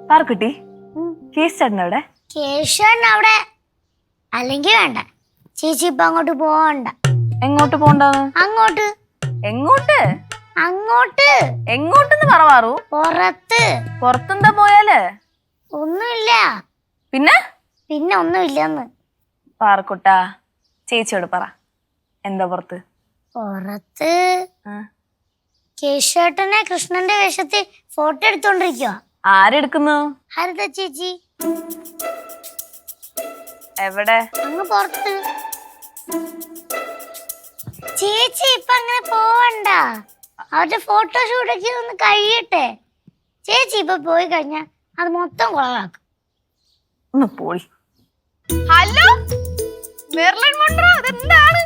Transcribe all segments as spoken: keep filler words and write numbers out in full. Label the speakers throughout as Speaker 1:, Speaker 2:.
Speaker 1: പാർക്കുട്ടി case ചേട്ടൻ അവിടെ
Speaker 2: കേശവൻ അവിടെ അല്ലെങ്കിൽ വേണ്ട ചേച്ചി ഇപ്പൊ അങ്ങോട്ട് പോവണ്ട.
Speaker 1: എങ്ങോട്ട് പോണ്ടാന്ന്?
Speaker 2: അങ്ങോട്ട്.
Speaker 1: എങ്ങോട്ട്?
Speaker 2: അങ്ങോട്ട്.
Speaker 1: എങ്ങോട്ടെന്ന് പറവാറു?
Speaker 2: പുറത്ത്.
Speaker 1: പുറത്തെന്താ പോയാല്?
Speaker 2: ഒന്നുമില്ല.
Speaker 1: പിന്നെ
Speaker 2: പിന്നെ ഒന്നുമില്ലെന്ന്.
Speaker 1: പാർക്കുട്ടാ ചേച്ചിയോട് പറ, എന്താ പുറത്ത്?
Speaker 2: പുറത്ത് കേശവേട്ടനെ കൃഷ്ണന്റെ വേഷത്തിൽ ഫോട്ടോ എടുത്തോണ്ടിരിക്കുക.
Speaker 1: ആരെടുക്കുന്നു?
Speaker 2: ഹരിത ചേച്ചി.
Speaker 1: എവിടെ?
Speaker 2: അങ്ങ് പുറത്ത്. ചേച്ചി ഇപ്പൊ അങ്ങനെ പോവണ്ട, അവരുടെ ഫോട്ടോഷൂട്ടൊക്കെ ഒന്ന് കഴിയട്ടെ. ചേച്ചി ഇപ്പൊ പോയി കഴിഞ്ഞാ അത് മൊത്തം കുളവാക്കും.
Speaker 1: ഒന്ന് പോയി.
Speaker 3: ഹലോ മെർലിൻ മോൺട്രോ, അതെന്താണ്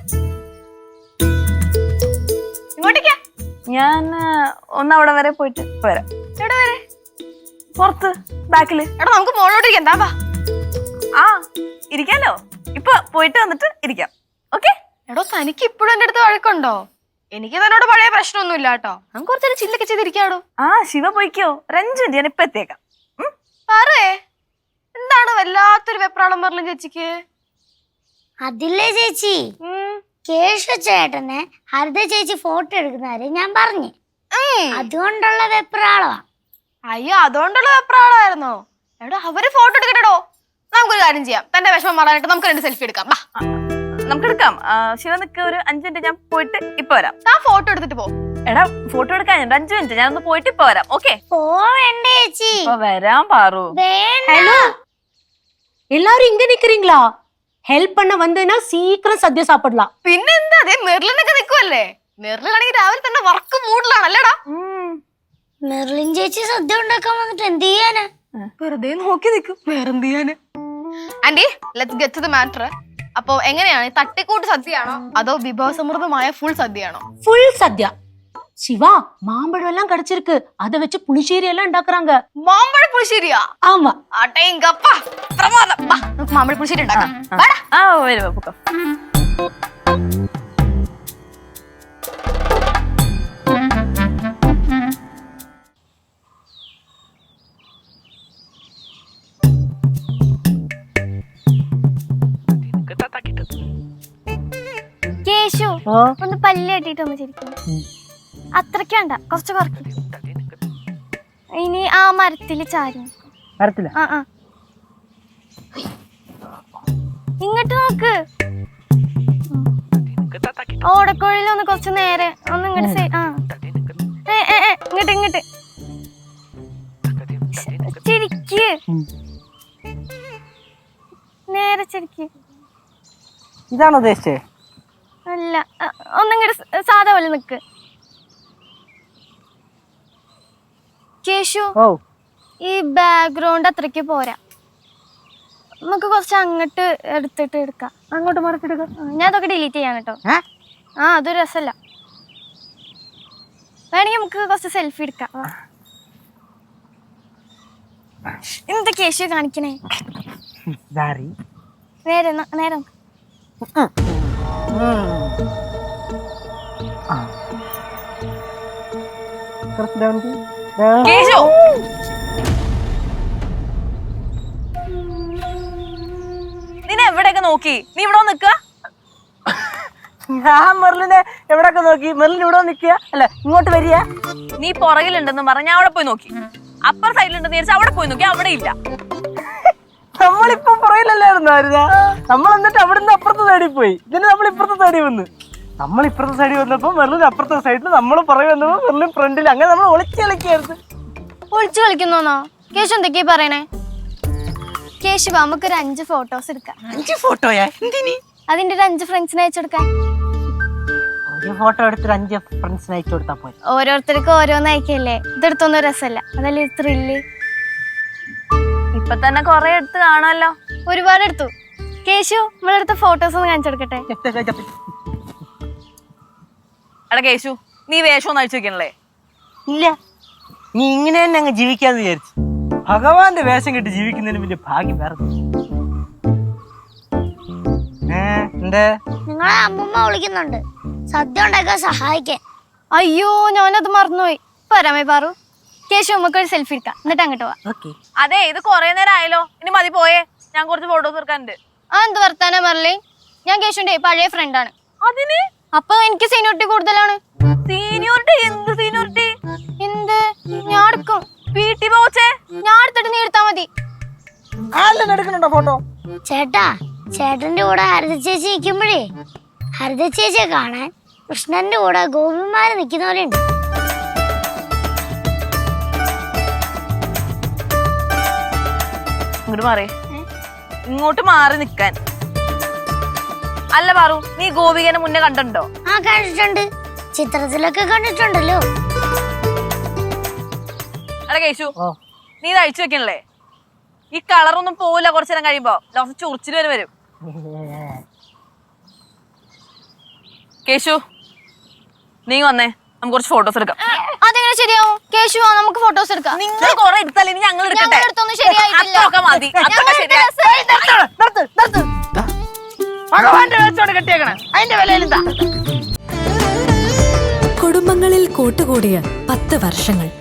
Speaker 3: ഇങ്ങോട്ടേക്കാ?
Speaker 1: ഞാൻ ഒന്ന് അവിടെ വരെ പോയിട്ട് വരാം.
Speaker 3: എവിടെ വരെ?
Speaker 1: പുറത്ത് ബാക്കില്.
Speaker 3: എടാ നമുക്ക് മോളോട്ടിരിക്കാം, എന്താ വാ.
Speaker 1: ആ ഇരിക്കാലോ, ഇപ്പൊ പോയിട്ട് വന്നിട്ട് ഇരിക്കാം. ഓക്കെ?
Speaker 3: എടോ തനിക്ക് ഇപ്പോഴും എന്റെ അടുത്ത് വഴക്കുണ്ടോ? എനിക്ക് തന്നോട് പഴയ പ്രശ്നമൊന്നുമില്ല കേട്ടോ. നമുക്ക് കുറച്ചൊരു ചില്ലൊക്കെ ചെയ്തിരിക്കാടോ.
Speaker 1: ആ ശിവ പോയിക്കോ, ഒരു അഞ്ചു മിനിറ്റ് ഞാൻ ഇപ്പൊ എത്തിയേക്കാം.
Speaker 3: പറയേ എന്താണ് വല്ലാത്തൊരു വെപ്രാളം മെർലിൻ ചേച്ചിക്ക്?
Speaker 2: അതില്ലേ ചേച്ചി, കേശവ ചേട്ടനെ ഹരിത ചേച്ചി ഫോട്ടോ എടുക്കുന്നവരെ ഞാൻ പറഞ്ഞു, അതുകൊണ്ടുള്ള വെപ്രാളമാ.
Speaker 3: അയ്യോ അതുകൊണ്ടുള്ള വെപ്രാളമായിരുന്നോ? എടോ അവര് ഫോട്ടോ എടുക്കട്ടോ. നമുക്കൊരു കാര്യം ചെയ്യാം, തന്റെ വിഷമം മാറാനായിട്ട് നമുക്ക് രണ്ട് സെൽഫി എടുക്കാം.
Speaker 1: നമുക്ക് എടുക്കാം. ശിവ നിക്ക്, ഒരു അഞ്ചു മിനിറ്റ് ഞാൻ പോയിട്ട് ഇപ്പൊ വരാം.
Speaker 3: ആ ഫോട്ടോ എടുത്തിട്ട് പോ.
Speaker 1: എടാ ഫോട്ടോ എടുക്കാൻ അഞ്ചു മിനിറ്റ് ഞാനൊന്ന് പോയിട്ട് ഇപ്പൊ വരാം. ഓക്കെ?
Speaker 2: പോവേണ്ടേ ചേച്ചി?
Speaker 1: ഇപ്പൊ വരാൻ പാറു.
Speaker 4: ஹலோ எல்லாரும் இங்க நிக்கிறீங்களா? ஹெல்ப் பண்ண வந்தேன்னா சீக்கிரம் சദ്യ சாப்பிடலாம்.
Speaker 3: പിന്നെന്താ, അതേ മെർലിനൊക്കെ നിൽക്കുവല്ലേ. മെർലിനാണെങ്കിൽ രാവിലെ തന്നെ വർക്ക് മൂഡിലാണല്ലേടാ.
Speaker 2: മെർലിൻ ചേച്ചി സദ്യ ഉണ്ടാക്കാൻ വന്നിട്ട് എന്ത് ചെയ്യാനാ?
Speaker 3: വെറുതെ നോക്കി നിൽക്കും, വേറെന്ത് ചെയ്യാന്. Aunty let's get to the matter. അപ്പൊ എങ്ങനെയാണ്, തട്ടിക്കൂട്ട് സദ്യയാണോ അതോ വിഭവസമൃദ്ധമായ ഫുൾ സദ്യയാണോ?
Speaker 4: ஃபுல் சத்யா. சிவா மாம்பழம் எல்லாம் கிடைச்சிருக்கு, அத வச்சு புளிശ്ശേരി எல்லாம் ഉണ്ടാக்குறாங்க.
Speaker 3: മാമ്പഴ പുളിശ്ശേരിയാ?
Speaker 4: ஆமா.
Speaker 3: അടേങ്കപ്പാ പ്രമാദം. വാ നമുക്ക് മാമ്പഴ പുളിശ്ശേരി ഉണ്ടാക്കാം. വാടാ.
Speaker 1: ആ വരൂ പൊക്കോ.
Speaker 2: കേശു ഒന്ന് പല്ല് കെട്ടിട്ട് ഒന്ന് ശരിക്കും. അത്രയ്ക്ക് വേണ്ട, കുറച്ച് കുറയ്ക്കും. ഇനി ആ മരത്തില് ചാരി. ആ ആ ഇങ്ങോട്ട് നോക്ക്. ഓടക്കോഴിലൊന്ന് കുറച്ച് നേരെ ഒന്ന് ഇങ്ങോട്ട്. ആ ഇങ്ങോട്ട് ഇങ്ങോട്ട് ചിരിക്ക്, നേരെ ചിരിക്ക്.
Speaker 5: ഇതാണോ ഉദ്ദേശിച്ചേ?
Speaker 2: അല്ല, ഒന്നിങ്ങോട്ട് സാധാ പോലെ നിക്ക്. കേശു ഈ ബാക്ക്ഗ്രൗണ്ട് അത്രയ്ക്ക് പോരാ, നമുക്ക് കുറച്ച് അങ്ങോട്ട് എടുത്തിട്ട് എടുക്കാം.
Speaker 5: അങ്ങോട്ട് മറിച്ചെടുക്കാം.
Speaker 2: ഞാൻ അതൊക്കെ ഡിലീറ്റ് ചെയ്യാൻ കേട്ടോ. ആ അതൊരു രസമല്ല. വേണമെങ്കിൽ നമുക്ക് കുറച്ച് സെൽഫി എടുക്കാം. എന്താ കേശു കാണിക്കണേ? നേരെ നേരെ
Speaker 1: കേശു നിന്നെ എവിടെയൊക്കെ നോക്കി? നീ ഇവിടെ നിക്ക?
Speaker 5: ഞാൻ മെർലിനെ എവിടെയൊക്കെ നോക്കി. മെർലിൻ ഇവിടെ നിക്കുക അല്ല ഇങ്ങോട്ട് വരിക.
Speaker 1: നീ പുറകിലുണ്ടെന്ന് പറഞ്ഞ ഞാൻ അവിടെ പോയി നോക്കി. അപ്പർ സൈഡിലുണ്ടെന്ന് വിചാരിച്ചാൽ അവിടെ പോയി നോക്കി, അവിടെ ഇല്ല.
Speaker 5: നമ്മളിപ്പോ പുറകിലല്ലായിരുന്നു ആരുത. നമ്മൾ എന്നിട്ട് അവിടുന്ന് അപ്പുറത്തെ സൈഡിൽ പോയി. ഇതിന് നമ്മൾ ഇപ്പുറത്തെ സൈഡിൽ വന്ന് നമ്മൾ ഇപ്പുറത്തെ സൈഡിൽ വന്നപ്പോ മെർലിൻ അപ്പുറത്തെ സൈഡിൽ, നമ്മൾ പുറകെ വന്നപ്പോ മെർലിൻ ഫ്രണ്ടിൽ. അങ്ങനെ നമ്മൾ ഒളിച്ച് കളിക്കായിരുന്നു.
Speaker 2: ഒളിച്ചു കളിക്കുന്നോന്നോ? കേശു എന്തൊക്കെയാ പറയണേ? കേശു നമുക്കൊരു അഞ്ച് ഫോട്ടോസ് എടുക്കാം.
Speaker 5: അഞ്ച് ഫോട്ടോയാ? എന്തിനി?
Speaker 2: അതിന്റെ ഒരു അഞ്ച് ഫ്രണ്ട്സിനെ അയച്ചെടുക്കാൻ.
Speaker 5: ഒരു ഫോട്ടോ എടുത്തിട്ട് അഞ്ച് ഫ്രണ്ട്സിന് അയച്ചു കൊടുത്താ പോയി.
Speaker 2: ഓരോരുത്തർക്ക് ഓരോന്ന് അയക്കല്ലേ, ഇതെടുത്തൊന്നും രസമല്ല. അതല്ലേ ത്രില്ല്.
Speaker 1: ഇപ്പൊ തന്നെ കൊറേ എടുത്ത് കാണുമല്ലോ.
Speaker 2: ഒരുപാട് എടുത്തു. കേശു നമ്മളെടുത്ത ഫോട്ടോസ് ഒന്ന് കാണിച്ചെടുക്കട്ടെ.
Speaker 1: എടാ കേശു, നീ വേഷം ഒന്ന് അഴിച്ചു വെക്കണല്ലേ?
Speaker 5: ഇല്ല, നീ ഇങ്ങനെ തന്നെ അങ്ങ് ജീവിക്കാന്ന് വിചാരിച്ചു. ഭഗവാന്റെ വേഷം കെട്ടി ജീവിക്കുന്നതിന് വലിയ ഭാഗ്യം വേറെ.
Speaker 2: നിങ്ങളെ അമ്മൂമ്മ വിളിക്കുന്നുണ്ട് സദ്യ ഉണ്ടാക്കാൻ സഹായിക്കാൻ. അയ്യോ ഞാനത് മറന്നുപോയി. വരാമേ പാറു. കേശു നമുക്ക് ഒരു സെൽഫി എടുക്കാം എന്നിട്ട് അങ്ങോട്ട് പോവാം.
Speaker 5: ഓക്കെ.
Speaker 1: അതെ ഇത് കൊറേ നേരം ആയല്ലോ, ഇനി മതി പോയേ, ഞാൻ കുറച്ച് ഫോട്ടോസ് എടുക്കാനുണ്ട്.
Speaker 2: ആ എന്ത് വർത്താനാ മെർലിൻ, ഞാൻ കേശുന്റെ പഴയ ഫ്രണ്ടാണ്.
Speaker 1: അതിന്
Speaker 2: അപ്പൊ എനിക്ക് സീനിയോറിറ്റി കൂടുതലാണ്.
Speaker 1: സീനിയോറിറ്റി? എന്ത് സീനിയോറിറ്റി?
Speaker 2: എന്ത്? ഞാൻ എടുക്കും.
Speaker 1: വീട്ടിൽ പോച്ചേ,
Speaker 2: ഞാൻ എടുത്തിട്ട് നീ എടുത്താ മതി.
Speaker 5: ആരെല്ലാം എടുക്കണുണ്ടോ ഫോട്ടോ?
Speaker 6: ചേട്ടാ, ചേട്ടന്റെ കൂടെ ഹരിത ചേച്ചി നിൽക്കുമ്പോഴേ ഹരിത ചേച്ചിയെ കാണാൻ കൃഷ്ണന്റെ കൂടെ ഗോപിമാര് നിൽക്കുന്ന പോലെ ഉണ്ട്.
Speaker 1: ഇങ്ങോട്ട് മാറി, ഇങ്ങോട്ട് മാറി നിക്കാൻ. അല്ല പാറു, നീ ഗോപികനെ മുന്നേ കണ്ടിട്ടുണ്ടോ?
Speaker 6: ആ കണ്ടിട്ടുണ്ട്, ചിത്രത്തിലൊക്കെ കണ്ടിട്ടുണ്ടല്ലോ.
Speaker 1: എടാ കേശു, നീ ഇത് അഴിച്ചു വെക്കണല്ലേ? ഈ കളറൊന്നും പോവില്ല കുറച്ചു നേരം കഴിയുമ്പോ, ലോസം ചൊറിച്ചിൽ വരെ വരും. കേശു നീ വന്നേ, നമുക്ക് കുറച്ച് ഫോട്ടോസ് എടുക്കാം.
Speaker 2: അതെങ്ങനെ ശരിയാവും? കേശു വാ, നമുക്ക് ഫോട്ടോസ് എടുക്കാം.
Speaker 1: നിങ്ങൾ കൊറേ എടുത്താലേ ഇനി ഞങ്ങൾ എടുക്കട്ടെ.
Speaker 2: ഞങ്ങൾ എടുത്തൊന്നും ശരിയായിട്ടില്ല.
Speaker 1: അത്രയൊക്കെ മതി, അത്രയൊക്കെ ശരിയാ.
Speaker 5: നിർത്ത്, നിർത്ത്. ഭഗവാന്റെ വേഷോട് കെട്ടിയേക്കണേ, അതിന്റെ വിലയിൽ എന്താ?
Speaker 7: കുടുംബങ്ങളിൽ കൂട്ടുകൂടിയ പത്ത് വർഷങ്ങൾ